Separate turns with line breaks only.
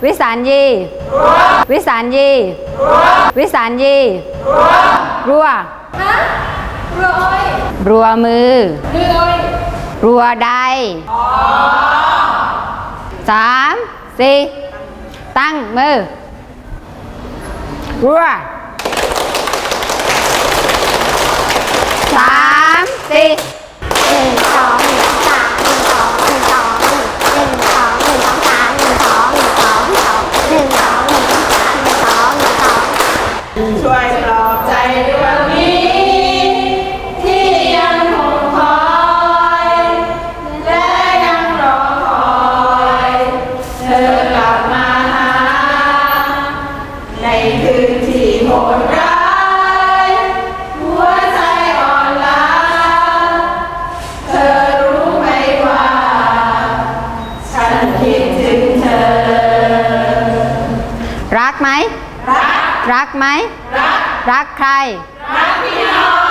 วิสารยีวิสารยีวิสารยีรัวรัวมือรัวใด3 4ตั้งมือรัว3 4
ช่วยปลอบใจดวงนี้ที่ยังคงคอยและยังรอคอยเธอกลับมาหาในคืนที่โหดร้ายหัวใจอ่อนล้าเธอรู้ไหมว่าฉันคิดถึงเธอ
รักไหมรักไหมรักใครรักพี่น้อง